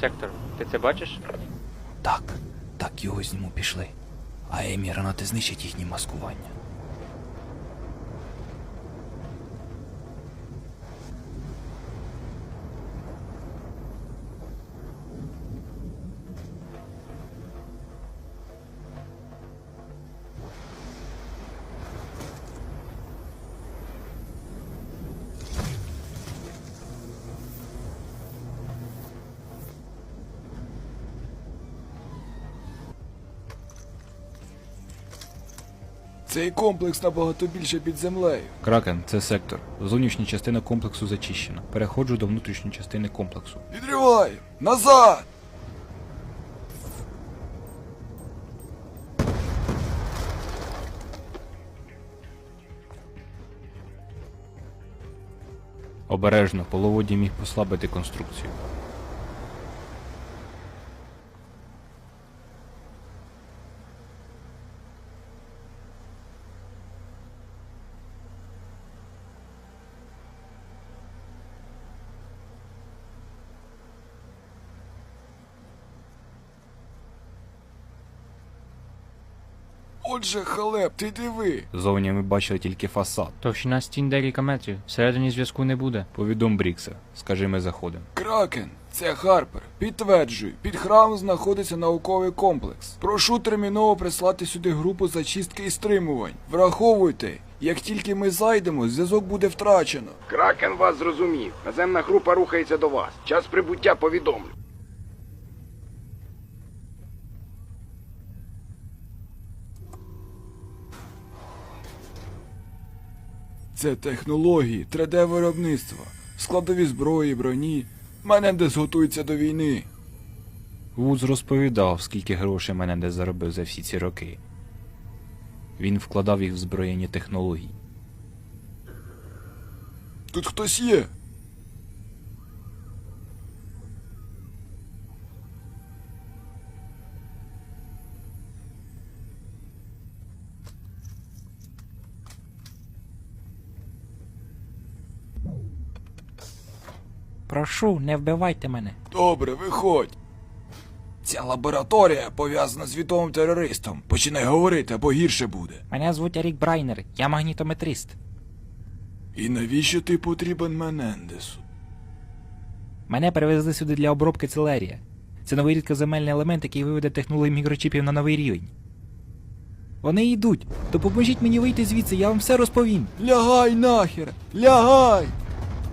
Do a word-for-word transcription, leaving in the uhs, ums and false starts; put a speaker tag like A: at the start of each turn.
A: сектор. Ти це бачиш?
B: Так, так його зніму пішли. А Емі і гранати знищать їхні маскування.
C: Цей комплекс набагато більше під землею.
B: Кракен, це сектор. Зовнішня частина комплексу зачищена. Переходжу до внутрішньої частини комплексу.
C: Відривай! Назад!
B: Обережно, половодій міг послабити конструкцію.
C: Отже, Халеп, ти диви.
B: Зовні ми бачили тільки фасад.
A: Товщина стін декілька метрів. Всередині зв'язку не буде.
B: Повідом Брікса. Скажи, ми заходимо.
C: Кракен, це Харпер. Підтверджую, під храмом знаходиться науковий комплекс. Прошу терміново прислати сюди групу зачистки і стримувань. Враховуйте, як тільки ми зайдемо, зв'язок буде втрачено.
D: Кракен вас зрозумів. Наземна група рухається до вас. Час прибуття повідомлю.
C: Це технології, три де виробництва, складові зброї, броні. Менендес готується до війни.
B: Вудс розповідав, скільки грошей Менендес заробив за всі ці роки. Він вкладав їх в зброєнні технології.
C: Тут хтось є.
E: Прошу, не вбивайте мене.
C: Добре, виходь. Ця лабораторія пов'язана з відомим терористом. Починай говорити, або гірше буде.
E: Мене звуть Ерік Брайнер, я магнітометрист.
C: І навіщо ти потрібен Менендесу?
E: Мене перевезли сюди для обробки целерія. Це новий рідкоземельний елемент, який виведе технологію мікрочіпів на новий рівень. Вони йдуть. Допоможіть мені вийти звідси, я вам все розповім.
C: Лягай нахер! Лягай!